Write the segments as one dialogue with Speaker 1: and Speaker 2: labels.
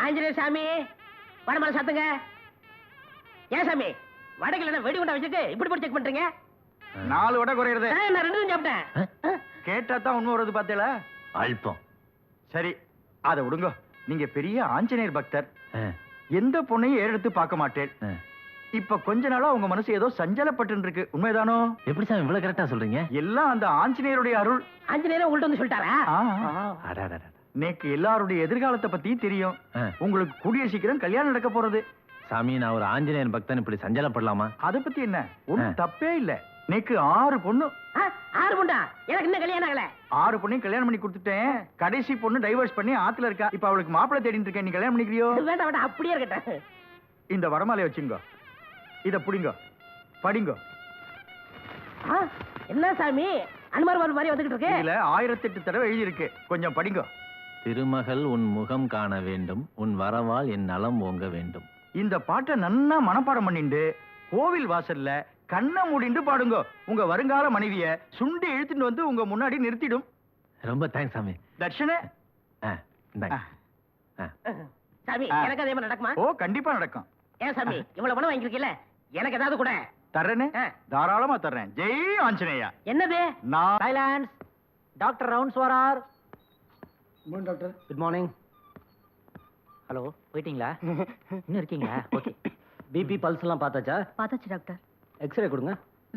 Speaker 1: ஆஞ்சநேயர் சாமி வடமலை சாத்துங்க. ஏன் சாமி வடகில வெடி குண்டா வச்சுட்டு இப்படி போய் செக் பண்றீங்க?
Speaker 2: 4 வடை குறையிறது.
Speaker 1: நான் 2 தான் சாப்பிட்டேன்.
Speaker 2: கேட்டா தான் உண்மை வருது பார்த்தேல.
Speaker 3: அல்பம்.
Speaker 2: சரி அதை விடுங்க. நீங்க பெரிய ஆஞ்சநேயர் பக்தர். எந்த பொண்ணையும் ஏறெடுத்து பார்க்க மாட்டேன். இப்ப கொஞ்ச நாளா உங்க மனசு ஏதோ சஞ்சலப்பட்டு இருக்கு, உண்மைதானோ?
Speaker 3: எப்படி சாமி இவ்வளவு கரெக்டா சொல்றீங்க?
Speaker 2: எல்லாம் அந்த ஆஞ்சநேயருடைய அருள்.
Speaker 1: ஆஞ்சநேயர் உங்கள்ட்ட வந்து சொல்லிட்டாரா?
Speaker 2: நேக்கு எல்லாருடைய எதிர்காலத்தை பத்தி தெரியும். உங்களுக்கு கூடிய சீக்கிரம் கல்யாணம் நடக்க போறது.
Speaker 3: சாமி நான் ஒரு ஆஞ்சநேயர் பக்தன், இப்படி சஞ்சலப்படலாமா?
Speaker 2: அதை பத்தி என்ன, ஒண்ணும் தப்பே இல்ல. நேக்கு 6 பொண்ணு.
Speaker 1: 6 பொண்ணா? எனக்கு இன்னும் கல்யாணம் ஆகல.
Speaker 2: 6 பொண்ணையும் கல்யாணம் பண்ணி கொடுத்துட்டேன். கடைசி பொண்ணு டைவர்ஸ் பண்ணி ஆத்துல இருக்கா. இப்ப அவளுக்கு மாப்பிள்ளை தேடிட்டு இருக்கேன். நீ கல்யாணம் பண்ணிக்கிறியோ?
Speaker 1: வேண்டாம் வேண்டாம், அப்படியே இருக்கட்டும்.
Speaker 2: இந்த வரமாலையை வச்சுங்க, இத புடிங்க, படிங்க.
Speaker 1: என்ன சாமி அனுமார் மாதிரி வந்துகிட்டு இருக்கு?
Speaker 2: இதுல 1008 தடவை எழுதி இருக்கு, கொஞ்சம் படிங்க.
Speaker 3: திருமகள் உன் முகம் காண வேண்டும், உன் வரவால் என் நலம் ஓங்க வேண்டும்.
Speaker 2: இந்த பாட்டை நன்னா மனப்பாடம் பண்ணிண்டு கோவில் வாசல்ல கண்ணை மூடிண்டு பாடுங்க. உங்க வருங்கால மனைவிய சுண்டி இழுத்துட்டு வந்து உங்க முன்னாடி நிறுத்திடும்.
Speaker 3: ரொம்ப தேங்க்ஸ் சாமி.
Speaker 2: தர்ஷனே.
Speaker 1: சாமி எனக்கு அதே மாதிரி நடக்குமா?
Speaker 2: ஓ கண்டிப்பா நடக்கும்.
Speaker 1: ஏன் சாமி இவ்வளவு பணம் வாங்கிருக்கீல, எனக்கு ஏதாவது கூட
Speaker 2: தர்றேனே, தாராளமா தர்றேன். ஜெய் ஆஞ்சநேயா.
Speaker 1: என்னது?
Speaker 2: நான்
Speaker 1: சைலன்ஸ். டாக்டர் ரவுண்ட்ஸ் வரார்.
Speaker 2: Good doctor.
Speaker 1: Good morning. Hello, போயிட்டீங்களா? இன்னும் இருக்கீங்களா? ஓகே. பிபி பல்ஸ் எல்லாம் பார்த்தாச்சா?
Speaker 4: பார்த்தாச்சு டாக்டர்.
Speaker 1: எக்ஸ்ரே கொடுங்க.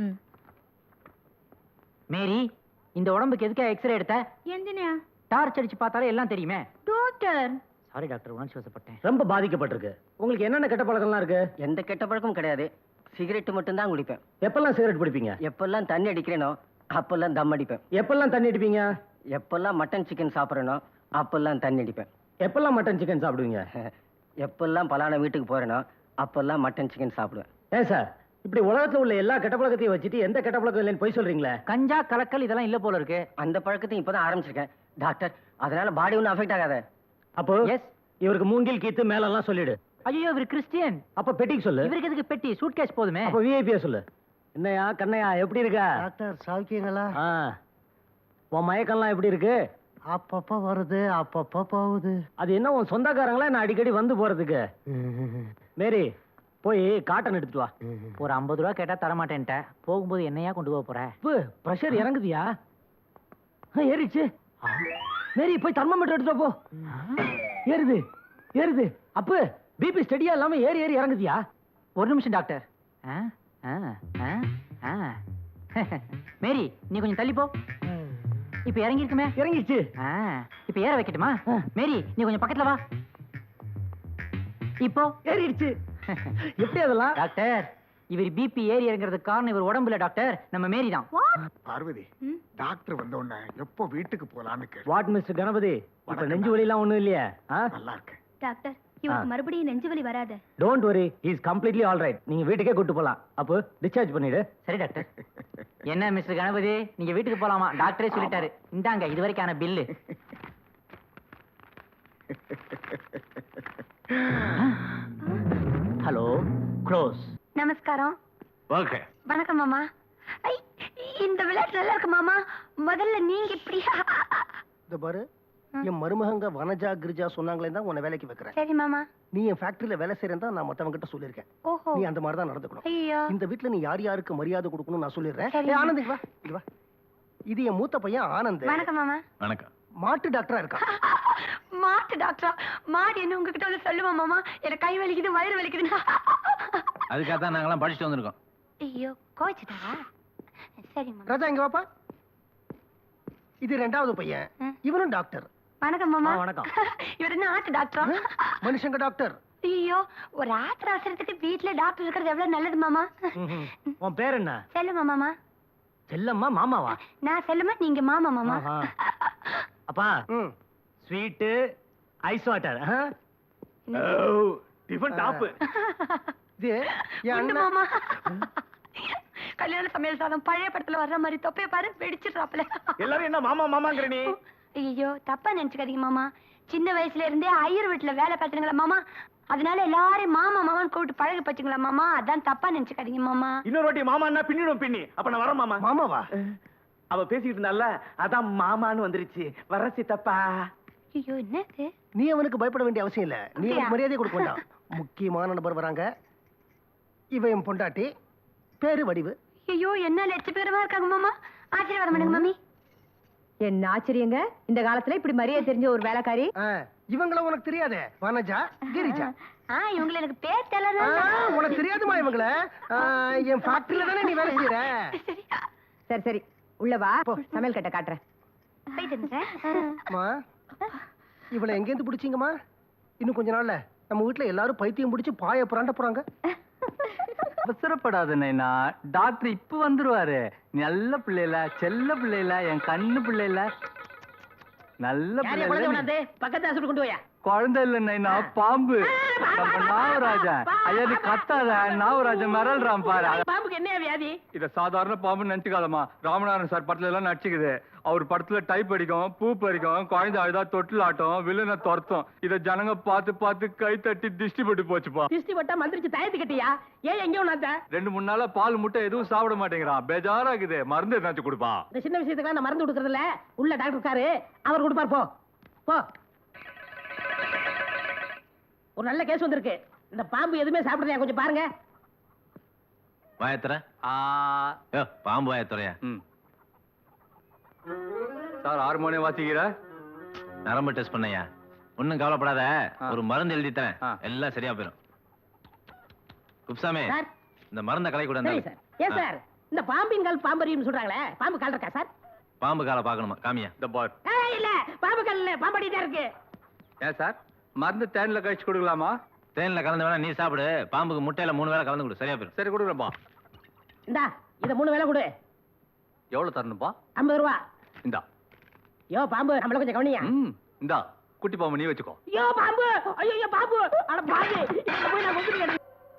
Speaker 1: மேரி, இந்த உடம்புக்கு எதுக்கா எக்ஸ்ரே எடுத்த?
Speaker 4: எந்தினியா?
Speaker 1: டார்ச் அடிச்சு பார்த்தாலே எல்லாம் தெரியுமே.
Speaker 4: டாக்டர்
Speaker 1: சாரி டாக்டர், உணர்ச்சி வசப்பட்டேன். ரொம்ப பாதிக்கப்பட்டிருக்கு. உங்களுக்கு என்னென்ன கெட்ட பழக்கம்லாம் இருக்கு?
Speaker 5: எந்த கெட்ட பழக்கமும் கிடையாது. சிகரெட் மட்டும் தான் குடிப்பேன்.
Speaker 1: எப்பெல்லாம் சிகரெட் பிடிப்பீங்க?
Speaker 5: எப்பெல்லாம் தண்ணி அடிக்கிறேனோ அப்பெல்லாம் தம் அடிப்பேன்.
Speaker 1: எப்பெல்லாம் தண்ணி அடிப்பீங்க?
Speaker 5: எப்பெல்லாம் மட்டன் சிக்கன் சாப்பிட்றேனோ அப்பெல்லாம் தண்ணி அடிப்பேன்.
Speaker 1: எப்பெல்லாம் மட்டன் சிக்கன் சாப்பிடுவீங்க?
Speaker 5: எப்பெல்லாம் பலான வீட்டுக்கு போறேனோ அப்பெல்லாம் மட்டன் சிக்கன் சாப்பிடுவேன்.
Speaker 1: ஏன் சார் இப்படி உலகத்துல உள்ள எல்லா கெட்ட பழக்கத்தையும் வச்சுட்டு எந்த கெட்ட பழக்கம் இல்லைன்னு போய் சொல்றீங்களே? கஞ்சா கலக்கல் இதெல்லாம் இல்ல போல இருக்கு.
Speaker 5: அந்த பழக்கத்தையும் இப்பதான் ஆரம்பிச்சிருக்கேன் டாக்டர். அதனால பாடி ஒன்றும் அஃபெக்ட் ஆகாத.
Speaker 1: அப்போ எஸ், இவருக்கு மூங்கில் கீத்து மேலெல்லாம் சொல்லிடு.
Speaker 4: ஐயோ இவர் கிறிஸ்டியன்.
Speaker 1: அப்ப பெட்டிக்கு சொல்லு.
Speaker 4: இவருக்கு எதுக்கு பெட்டி? சூட்கேஸ் போதுமே.
Speaker 1: அப்ப விஐபியா சொல்லு. என்னையா கண்ணையா எப்படி இருக்கா?
Speaker 6: டாக்டர் சௌக்கியங்களா?
Speaker 1: உன் மயக்கம்லாம் எப்படி இருக்கு?
Speaker 6: அப்பப்ப வருது அப்பப்ப போகுது.
Speaker 1: அது என்ன உன் சொந்தக்காரங்களா நான் அடிக்கடி வந்து போறதுக்கு? மேரி போய் காட்டன் எடுத்துட்டு வா.
Speaker 4: ஒரு 50 ரூபா கேட்டா தர மாட்டேன்ட்ட. போகும்போது என்னையா கொண்டு போக போற?
Speaker 1: பிரஷர் இறங்குதியா? ஏறிச்சு. மேரி போய் தெர்மோமீட்டர் எடுத்துட்டு போ. ஏறுது ஏறுது. அப்பு பிபி ஸ்டடியா இல்லாம ஏறி ஏறி இறங்குதியா?
Speaker 4: ஒரு நிமிஷம் டாக்டர். மேரி நீ கொஞ்சம் தள்ளி போ. இப்ப இறங்கி இருக்குமே?
Speaker 1: இறங்கிடுச்சு.
Speaker 4: இப்ப ஏற வைக்கட்டுமா? மேரி நீ கொஞ்சம் பக்கத்துல வா. இப்போ
Speaker 1: ஏறிடுச்சு. எப்படி அதெல்லாம்?
Speaker 4: டாக்டர் இவர் பிபி ஏறி இறங்குறதுக்கு காரணம் இவர் உடம்புல டாக்டர், நம்ம மேரி தான்.
Speaker 6: பார்வதி, டாக்டர் வந்த உடனே எப்போ வீட்டுக்கு போலான்னு கேட்டு.
Speaker 1: வாட் மிஸ்டர் கணபதி, இப்ப நெஞ்சு வலி எல்லாம் ஒண்ணும் இல்லையா?
Speaker 6: நல்லா இருக்கு
Speaker 4: டாக்டர். இவருக்கு மறுபடியும் நெஞ்சு வலி வராது.
Speaker 1: Don't worry, he is completely all right. நீங்க வீட்டுக்கே கூட்டி போலாம். அப்போ டிஸ்சார்ஜ் பண்ணிடு.
Speaker 4: சரி டாக்டர். என்ன மிஸ்டர் கணபதி, நீங்க வீட்டுக்கு போலாமா? டாக்டரே சொல்லிட்டாரு. இந்தாங்க இது வரைக்கான பில்லு. Hello close.
Speaker 7: நமஸ்காரம்.
Speaker 3: ஓகே.
Speaker 7: வணக்கம் மாமா. இந்த விளையாட்டு நல்லா இருக்கு மாமா. முதல்ல நீங்க இப்படி.
Speaker 6: இந்த பாரு, என் மருமகங்க வனஜா கிரிஜா சொன்னாங்களே தான் உன்னை வேலைக்கு வைக்கிறேன்.
Speaker 7: சரி மாமா.
Speaker 6: நீ என் ஃபேக்டரியில வேலை செய்யறேன் தான் நான் மத்தவங்க கிட்ட சொல்லியிருக்கேன்.
Speaker 7: ஓஹோ.
Speaker 6: நீ அந்த மாதிரி தான் நடந்துக்கணும்.
Speaker 7: ஐயோ.
Speaker 6: இந்த வீட்டுல நீ யார் யாருக்கு மரியாதை கொடுக்கணும் நான் சொல்லிடுறேன்.
Speaker 7: சரி.
Speaker 6: ஆனந்த் இங்க வா, இங்க வா. இது என் மூத்த பையன் ஆனந்த்.
Speaker 7: வணக்கம் மாமா.
Speaker 3: வணக்கம்.
Speaker 6: மாட்டு டாக்டரா இருக்கான்.
Speaker 7: மாட்டு டாக்டரா? மாடு என்ன உங்ககிட்ட வந்து சொல்லுமா மாமா? எனக்கு கை வலிக்குது வயிறு வலிக்குதுன்னா.
Speaker 3: அதுக்காக தான் நாங்கெல்லாம் படிச்சுட்டு வந்திருக்கோம்.
Speaker 7: ஐயோ கோச்சிட்டாரா? சரி மாமா.
Speaker 6: ராஜா இங்க வாப்பா. இது 2வது பையன், இவனும் டாக்டர்.
Speaker 7: வணக்கம் மாமா.
Speaker 1: வணக்கம்.
Speaker 7: இவர் என்ன ஆட்டு டாக்டரா?
Speaker 6: மனுஷங்க டாக்டர்.
Speaker 7: ஐயோ, ஒரு ஆத்திர அவசரத்துக்கு வீட்டுல டாக்டர் இருக்கிறது எவ்வளவு நல்லது மாமா.
Speaker 1: உன் பேர் என்ன?
Speaker 7: செல்லுமா மாமா.
Speaker 1: செல்லம்மா மாமாவா?
Speaker 7: நான் செல்லுமா, நீங்க மாமா மாமா.
Speaker 1: அப்பா sweet ice water. Tiffin top.
Speaker 6: இது என்
Speaker 7: உண்டு
Speaker 6: அண்ணன்.
Speaker 7: மாமா. கல்யாண சமையல் சாதம் பழைய படத்துல வர்ற மாதிரி தொப்பைய பாரு வெடிச்சிடுறாப்ல.
Speaker 1: எல்லாரும் என்ன மாமா மாமாங்கற நீ?
Speaker 7: ஐயோ தப்பா நினைச்சுக்காதீங்க மாமா. சின்ன வயசுல இருந்தே ஐயர் வீட்டுல வேலை பார்த்துங்களா மாமா, அதனால எல்லாரும் மாமா மாமான்னு கூப்பிட்டு பழகி பச்சுங்களா மாமா. அதான் தப்பா நினைச்சுக்காதீங்க மாமா.
Speaker 1: இன்னொரு வாட்டி மாமான்னா பின்னிடும் பின்னி. அப்ப நான் வரேன் மாமா.
Speaker 6: மாமாவா?
Speaker 1: அவ பேசிட்டு இருந்தால, அதான் மாமான்னு வந்துருச்சு. வர சித்தப்பா.
Speaker 7: ஐயோ என்னது?
Speaker 6: நீ அவனுக்கு பயப்பட வேண்டிய அவசியம் இல்ல. நீ
Speaker 7: அப்படியா?
Speaker 6: அவனுக்கு மரியாதை கொடுக்க வேண்டாம். முக்கியமான நபர் வராங்க. இவன் என் பொண்டாட்டி, பேரு வடிவு.
Speaker 7: ஐயோ என்ன லட்சபேரமா இருக்காங்க மாமா. ஆசீர்வாதம் பண்ணுங்க மாமி.
Speaker 8: என்ன ஆச்சரியங்க, இந்த காலத்துல இப்படி மரியாதை தெரிஞ்ச ஒரு வேலைக்காரி.
Speaker 6: இவங்கள உனக்கு தெரியாதே? வனஜா, கிரிஜா.
Speaker 7: இவங்களை எனக்கு பேர் தெரியல.
Speaker 6: உனக்கு தெரியாதுமா இவங்கள? என் ஃபேக்டரியில தானே நீ வேலை செய்யற.
Speaker 8: சரி சரி உள்ள வா, சமையல் கட்ட காட்டுறேன்.
Speaker 6: அம்மா, இவளை எங்க இருந்து பிடிச்சீங்கம்மா? இன்னும் கொஞ்ச நாள்ல நம்ம வீட்டுல எல்லாரும் பைத்தியம் பிடிச்சு பாய புராண்ட போறாங்க.
Speaker 9: அவசரப்படாத நைனா, டாக்டர் இப்ப வந்துருவாரு. நல்ல பிள்ளைல, செல்ல பிள்ளைல, என் கண்ணு பிள்ளைல, நல்ல பிள்ளை.
Speaker 1: பக்கத்து கொண்டு போயா.
Speaker 9: குழந்தை இல்ல நைனா, பாம்பு. நம்ம நாகராஜன். ஐயா நீ கத்தாத, நாகராஜன் மிரள்றான் பாரு.
Speaker 1: பாம்புக்கு என்ன வியாதி?
Speaker 9: இத சாதாரண பாம்பு நினைச்சுக்காதமா. ராமநாதன் சார் படத்துல எல்லாம் நடிச்சுக்குது. அவர் படத்துல டைப் அடிக்கும், பூ பறிக்கும், குழந்தை அழுதா தொட்டில் ஆட்டம், வில்லனை துரத்தும். இத ஜனங்க பார்த்து பார்த்து கை தட்டி திஷ்டி போட்டு போச்சுப்பா.
Speaker 1: திஷ்டி போட்டா மந்திரிச்சு தயத்து கட்டியா? ஏன் எங்கேயும் நான்
Speaker 9: 2-3 நாளா பால் முட்டை எதுவும் சாப்பிட மாட்டேங்கிறான். பேஜாரா இருக்குது. மருந்து எதாச்சும் கொடுப்பா.
Speaker 1: இந்த சின்ன விஷயத்துக்கு நான் மருந்து கொடுக்கறது இல்ல. உள்ள டாக்டர் இருக்காரு, அவர் கொடுப்பார். போ போ. ஒரு நல்ல கேஸ் வந்திருக்கு. இந்த பாம்பு எதுவுமே சாப்பிடுறதா கொஞ்சம் பாருங்க.
Speaker 3: வாயத்துற பாம்பு வாயத்துறையா?
Speaker 9: சார் ஹார்மோனியம் வாசிக்கிற?
Speaker 3: நரம்பு டெஸ்ட் பண்ணையா? ஒன்னும் கவலைப்படாத, ஒரு மருந்து எழுதி தரேன், எல்லாம் சரியா போயிடும். குப்சாமி,
Speaker 1: சார்
Speaker 3: இந்த மருந்த கலை கூட.
Speaker 1: சரி சார். ஏன் சார் இந்த பாம்பின் கால் பாம்பரியும் சொல்றாங்களே, பாம்பு கால் இருக்கா சார்?
Speaker 3: பாம்பு காலை பார்க்கணுமா? காமியா.
Speaker 9: இந்த பார்.
Speaker 1: இல்ல பாம்பு கால் இல்ல, பாம்படி தான் இருக்கு.
Speaker 9: ஏன் சார் மருந்து தேன்ல கழிச்சு கொடுக்கலாமா?
Speaker 3: தேன்ல கலந்து வேணா நீ சாப்பிடு. பாம்புக்கு முட்டையில 3 வேளை கலந்து கொடு, சரியா போயிடும்.
Speaker 9: சரி கொடுக்குறப்பா.
Speaker 1: இந்தா இத 3 வேளை கொடு.
Speaker 9: எவ்வளவு தரணும்பா?
Speaker 1: 50 ரூபா.
Speaker 9: இந்தா.
Speaker 1: யோ பாம்பு, நம்மள கொஞ்சம் கவனியா.
Speaker 9: இந்தா குட்டி பாம்பு நீ வச்சுக்கோ.
Speaker 1: யோ பாம்பு, ஐயோ பாம்பு, அட பாம்பு, இங்க போய் நான் கொண்டுறேன்.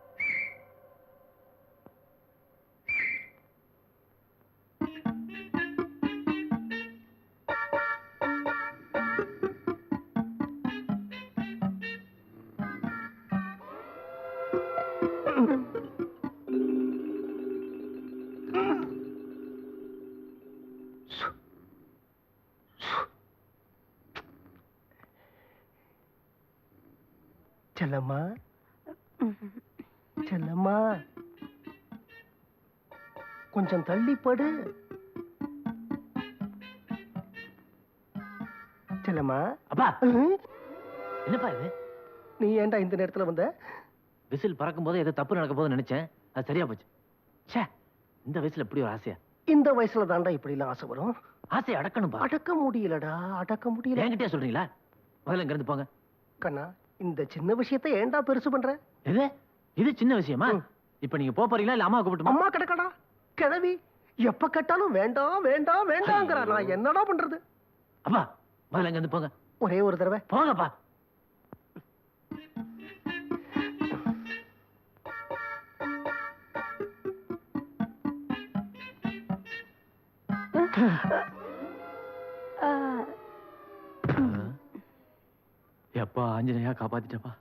Speaker 6: செல்லம்மா, செல்லம்மா, கொஞ்சம் தள்ளி படு. செல்லம்மா.
Speaker 3: அப்பா என்னப்பா இது?
Speaker 6: நீ ஏன்டா இந்த நேரத்துல வந்த?
Speaker 3: விசில் பறக்கும் போது ஏதோ தப்பு நடக்க போதுன்னு நினைச்சேன், அது சரியா போச்சு. ச்சே, இந்த வயசுல இப்படி ஒரு ஆசையா?
Speaker 6: இந்த வயசுல தாண்டா இப்படி எல்லாம் ஆசை வரும்.
Speaker 3: ஆசையை அடக்கணும்பா.
Speaker 6: அடக்க முடியலடா, அடக்க முடியல.
Speaker 3: என்கிட்டயே சொல்றீங்களா? முதல்ல இங்க இருந்து போங்க.
Speaker 6: கண்ணா, இந்த சின்ன விஷயத்தை ஏன்டா பெருசு பண்ற?
Speaker 3: இது சின்ன விஷயமா? இப்ப நீங்க போறீங்களா இல்ல அம்மா கூப்பிட்டுமா?
Speaker 6: அம்மா கிடக்கடா கிழவி, எப்ப கேட்டாலும் வேண்டாம் வேண்டாம் வேண்டாங்கிற. நான் என்னடா பண்றது?
Speaker 3: அப்பா முதல்ல இங்க இருந்து போங்க.
Speaker 6: ஒரே ஒரு தடவை
Speaker 3: போங்கப்பா. எப்பா ஆஞ்சநேயா காப்பாத்திட்டப்பா.